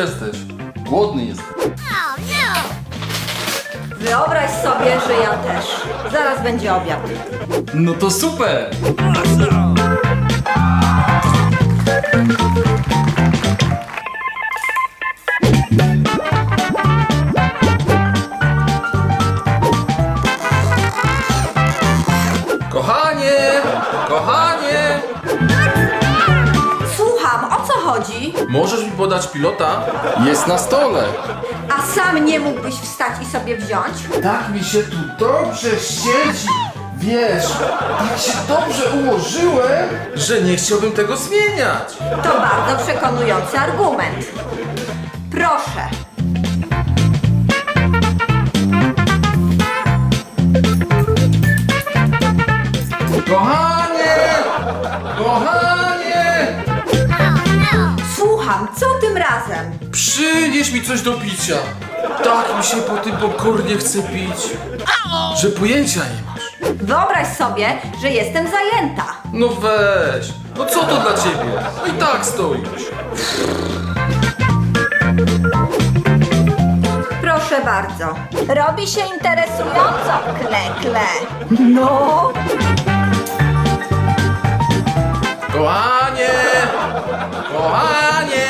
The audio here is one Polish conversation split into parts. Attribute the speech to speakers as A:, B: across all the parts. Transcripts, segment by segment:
A: jesteś? Głodny jestem.
B: Wyobraź sobie, że ja też. Zaraz będzie obiad.
A: No to super! Kochanie! Kochanie!
B: Słucham, o co chodzi?
A: Możesz mi podać pilota? Jest na stole.
B: A sam nie mógłbyś wstać i sobie wziąć?
A: Tak mi się tu dobrze siedzi. Wiesz, tak się dobrze ułożyłem, że nie chciałbym tego zmieniać.
B: To bardzo przekonujący argument. Proszę.
A: Kochanie! Kochanie!
B: Słucham, co tym razem?
A: Przynieś mi coś do picia. Tak mi się po tym popcornie chce pić, że pojęcia nie masz.
B: Wyobraź sobie, że jestem zajęta.
A: No weź, no co to dla ciebie? No i tak stoisz.
B: Proszę bardzo. Robi się interesująco, kle. No.
A: Kochanie! Kochanie!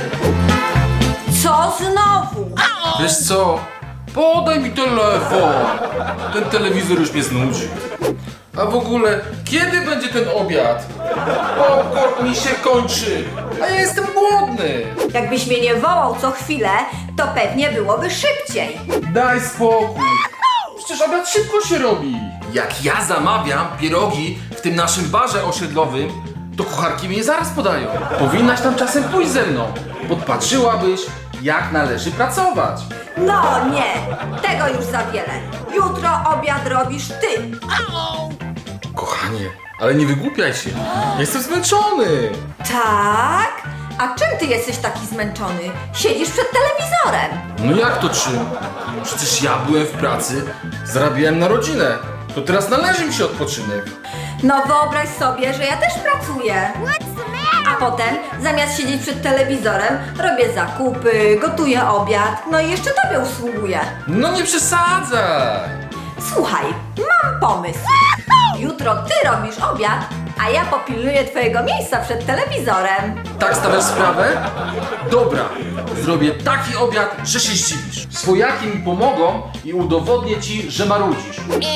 B: Co znowu?
A: Wiesz co? Podaj mi telefon. Ten telewizor już mnie znudzi. A w ogóle, kiedy będzie ten obiad? Popcorn mi się kończy, a ja jestem głodny.
B: Jakbyś mnie nie wołał co chwilę, to pewnie byłoby szybciej.
A: Daj spokój. Przecież obiad szybko się robi. Jak ja zamawiam pierogi w tym naszym barze osiedlowym, to kucharki mnie zaraz podają. Powinnaś tam czasem pójść ze mną. Podpatrzyłabyś, jak należy pracować.
B: No nie, tego już za wiele. Jutro obiad robisz ty.
A: Kochanie, ale nie wygłupiaj się. Jestem zmęczony.
B: Tak? A czym ty jesteś taki zmęczony? Siedzisz przed telewizorem.
A: No jak to czym? Przecież ja byłem w pracy, zarabiałem na rodzinę. To teraz należy mi się odpoczynek.
B: No wyobraź sobie, że ja też pracuję. A potem, zamiast siedzieć przed telewizorem, robię zakupy, gotuję obiad, no i jeszcze tobie usługuję.
A: No nie przesadzaj.
B: Słuchaj, mam pomysł. Jutro ty robisz obiad, a ja popilnuję twojego miejsca przed telewizorem.
A: Tak stawiasz sprawę? Dobra, zrobię taki obiad, że się zdziwisz. Swojaki mi pomogą i udowodnię ci, że marudzisz.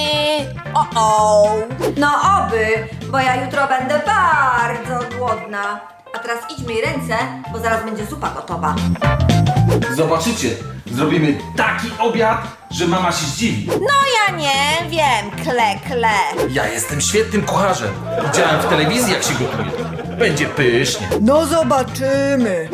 B: No oby, bo ja jutro będę bardzo głodna. A teraz idź myj ręce, bo zaraz będzie zupa gotowa.
A: Zobaczycie, zrobimy taki obiad, że mama się zdziwi.
B: No ja nie wiem, kle.
A: Ja jestem świetnym kucharzem. Widziałem w telewizji, jak się gotuje. Będzie pysznie.
B: No zobaczymy.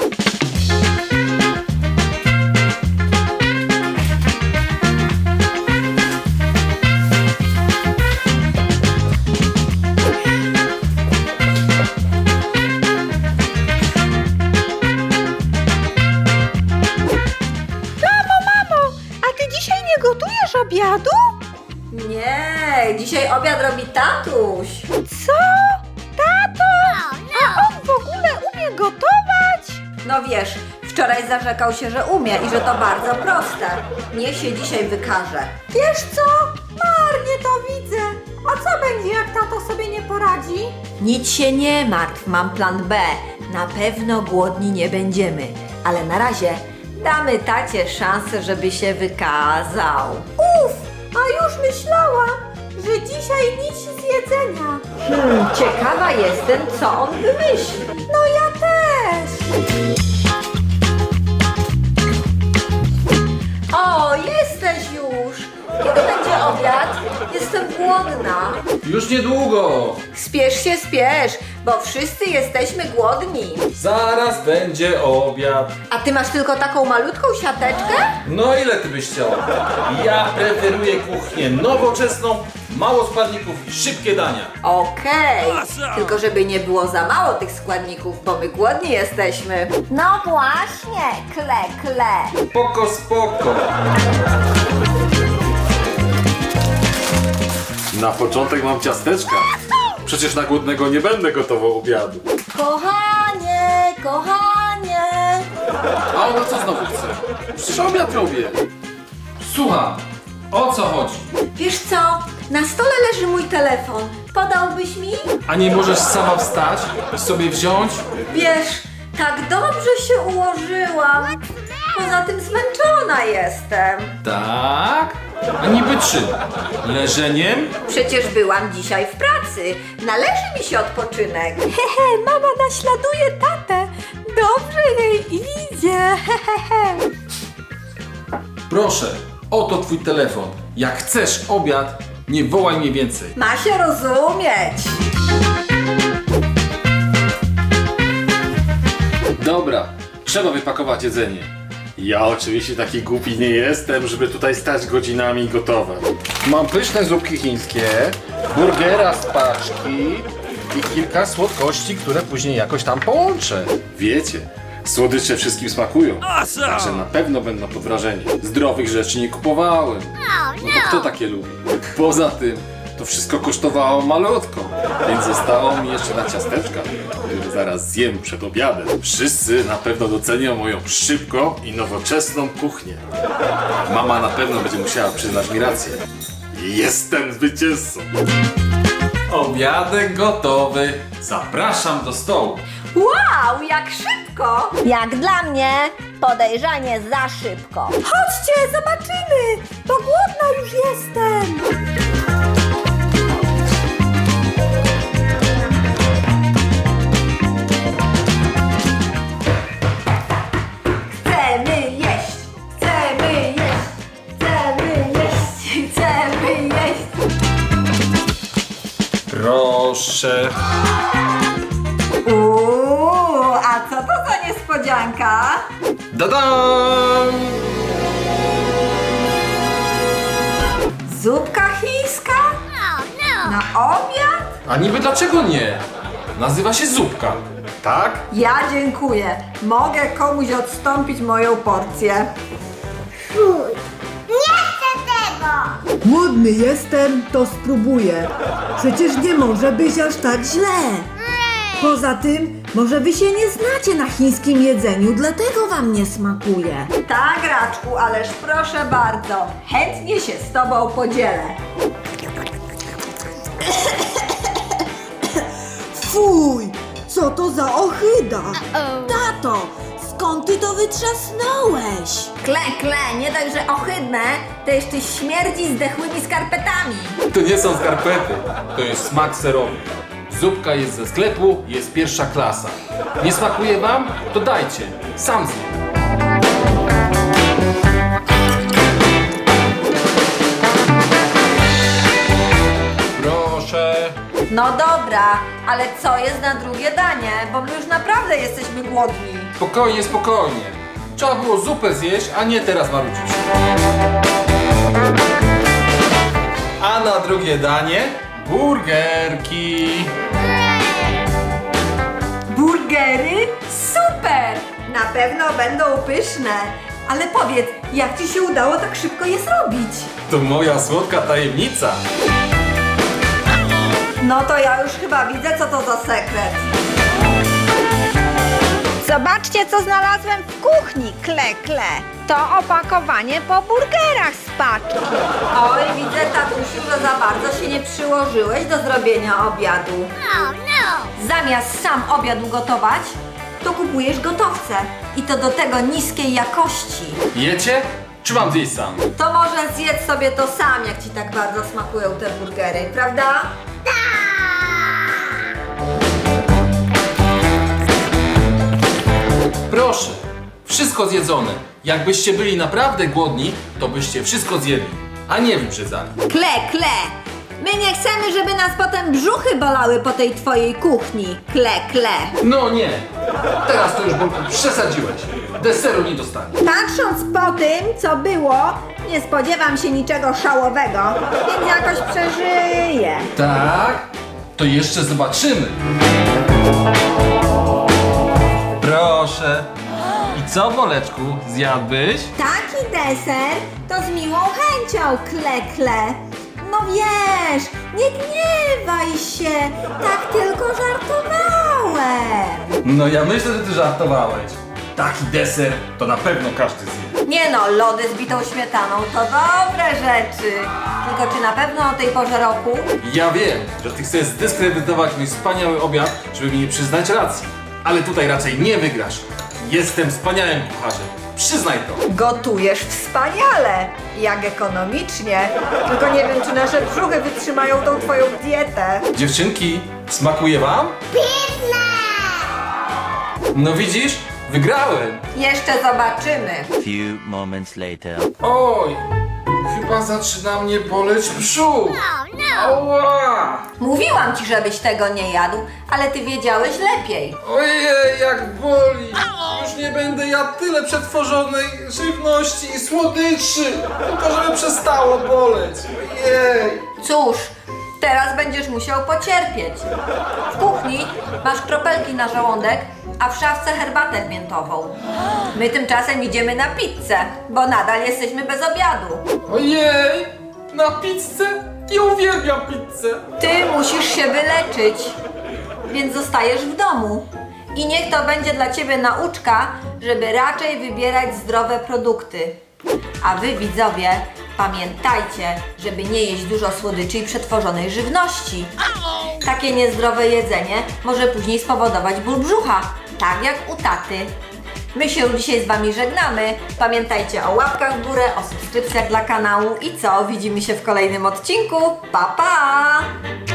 C: Mamo, a ty dzisiaj nie gotujesz obiadu?
B: Nie, dzisiaj obiad robi tatuś.
C: Co? Tato? A on w ogóle umie gotować?
B: No wiesz, wczoraj zarzekał się, że umie i że to bardzo proste. Niech się dzisiaj wykaże.
C: Wiesz co? Marnie to widzę. A co będzie, jak tato sobie nie poradzi?
B: Nic się nie martw, mam plan B. Na pewno głodni nie będziemy. Ale na razie damy tacie szansę, żeby się wykazał.
C: Uf, a już myślałam, że dzisiaj nic z jedzenia.
B: Ciekawa jestem, co on wymyśli.
C: No ja też.
B: O, jesteś już! Kiedy będzie obiad? Jestem głodna.
A: Już niedługo.
B: Spiesz się, bo wszyscy jesteśmy głodni.
A: Zaraz będzie obiad.
B: A ty masz tylko taką malutką siateczkę?
A: No ile ty byś chciał? Ja preferuję kuchnię nowoczesną, mało składników i szybkie dania.
B: Okej, tylko żeby nie było za mało tych składników, bo my głodni jesteśmy.
C: No właśnie, kle.
A: Spoko. Na początek mam ciasteczka. Przecież na głodnego nie będę gotował obiadu.
B: Kochanie,
A: A ona co znowu chce? Przecież obiad robię. Słucham, o co chodzi?
B: Wiesz co? Na stole leży mój telefon. Podałbyś mi?
A: A nie możesz sama wstać i sobie wziąć?
B: Wiesz, tak dobrze się ułożyłam. Poza tym zmęczona jestem.
A: Tak? A niby czym? Leżeniem?
B: Przecież byłam dzisiaj w pracy. Należy mi się odpoczynek.
C: Hehe, mama naśladuje tatę. Dobrze jej idzie. Hehehe.
A: Proszę, oto twój telefon. Jak chcesz obiad, nie wołaj mnie więcej.
B: Ma się rozumieć.
A: Dobra, trzeba wypakować jedzenie.
D: Ja oczywiście taki głupi nie jestem, żeby tutaj stać godzinami i gotować.
A: Mam pyszne zupki chińskie, burgera z paczki i kilka słodkości, które później jakoś tam połączę.
D: Wiecie, słodycze wszystkim smakują, także na pewno będą pod wrażeniem.
A: Zdrowych rzeczy nie kupowałem. No to kto takie lubi?
D: Poza tym, to wszystko kosztowało malutko, więc zostało mi jeszcze na ciasteczka, które zaraz zjem przed obiadem. Wszyscy na pewno docenią moją szybką i nowoczesną kuchnię. Mama na pewno będzie musiała przyznać mi rację. Jestem zwycięzcą!
A: Obiadek gotowy. Zapraszam do stołu.
B: Wow, jak szybko! Jak dla mnie, podejrzanie za szybko.
C: Chodźcie, zobaczymy, bo głodna już jestem.
B: Chcemy jeść, chcemy jeść, chcemy jeść, chcemy jeść.
A: Proszę.
B: A co to za niespodzianka?
A: Dadam!
B: Zupka chińska? Na obiad?
A: A niby dlaczego nie? Nazywa się zupka.
D: Tak?
B: Ja dziękuję. Mogę komuś odstąpić moją porcję.
E: Głodny jestem, to spróbuję. Przecież nie może być aż tak źle. Poza tym, może wy się nie znacie na chińskim jedzeniu, dlatego wam nie smakuje.
B: Tak, Raczku, ależ proszę bardzo. Chętnie się z tobą podzielę.
E: Fuj, co to za ohyda? Tato, skąd ty to wytrzasnąłeś?
B: Kle, nie dość, że ohydne, to jeszcze śmierdzi zdechłymi skarpetami.
A: To nie są skarpety, to jest smak serowy. Zupka jest ze sklepu, jest pierwsza klasa. Nie smakuje wam? To dajcie, sam zjem. Proszę.
B: No dobra, ale co jest na drugie danie? Bo my już naprawdę jesteśmy głodni.
A: Spokojnie, spokojnie. Trzeba było zupę zjeść, a nie teraz marudzić. A na drugie danie burgerki.
B: Burgery? Super! Na pewno będą pyszne. Ale powiedz, jak ci się udało tak szybko je zrobić?
A: To moja słodka tajemnica.
B: No to ja już chyba widzę, co to za sekret.
C: Zobaczcie, co znalazłem w kuchni, kle. To opakowanie po burgerach z paczki.
B: Oj, widzę, tatusiu, że za bardzo się nie przyłożyłeś do zrobienia obiadu. Zamiast sam obiad ugotować, to kupujesz gotowce. I to do tego niskiej jakości.
A: Jecie? Czy mam zjeść sam?
B: To może zjedz sobie to sam, jak ci tak bardzo smakują te burgery, prawda?
A: Proszę, wszystko zjedzone. Jakbyście byli naprawdę głodni, to byście wszystko zjedli, a nie wybrzydzali.
B: Kle. My nie chcemy, żeby nas potem brzuchy bolały po tej twojej kuchni. Kle.
A: No nie, teraz to już Bolku przesadziłeś. Deseru nie dostaniesz.
B: Patrząc po tym, co było, nie spodziewam się niczego szałowego, więc jakoś przeżyję.
A: Tak? To jeszcze zobaczymy. Proszę. I co, Boleczku, zjadłbyś?
B: Taki deser to z miłą chęcią, kle. No wiesz, nie gniewaj się, tak tylko żartowałem.
A: No ja myślę, że ty żartowałeś. taki deser to na pewno każdy zje.
B: Nie no, lody z bitą śmietaną to dobre rzeczy. Tylko czy na pewno o tej porze roku?
A: Ja wiem, że ty chcesz zdyskredytować mój wspaniały obiad, żeby mi nie przyznać racji. Ale tutaj raczej nie wygrasz. Jestem wspaniałym kucharzem. Przyznaj to.
B: Gotujesz wspaniale, jak ekonomicznie. Tylko nie wiem, czy nasze brzuchy wytrzymają tą twoją dietę.
A: Dziewczynki, smakuje wam? No widzisz? Wygrałem.
B: Jeszcze zobaczymy.
F: Few moments later.
A: Oj, chyba zaczyna mnie boleć brzuch. Ała!
B: Mówiłam ci, żebyś tego nie jadł, ale ty wiedziałeś lepiej.
A: Ojej, jak boli! Już nie będę jadł tyle przetworzonej żywności i słodyczy, tylko żeby przestało boleć. Ojej!
B: Cóż, teraz będziesz musiał pocierpieć. W kuchni masz kropelki na żołądek, a w szafce herbatę miętową. My tymczasem idziemy na pizzę, bo nadal jesteśmy bez obiadu.
A: Ojej! Na pizzę? Ja uwielbiam pizzę!
B: Ty musisz się wyleczyć, więc zostajesz w domu. I niech to będzie dla ciebie nauczka, żeby raczej wybierać zdrowe produkty. A wy, widzowie, pamiętajcie, żeby nie jeść dużo słodyczy i przetworzonej żywności. Takie niezdrowe jedzenie może później spowodować ból brzucha, tak jak u taty. My się dzisiaj z wami żegnamy. Pamiętajcie o łapkach w górę, o subskrypcjach dla kanału i co? Widzimy się w kolejnym odcinku. Pa, pa!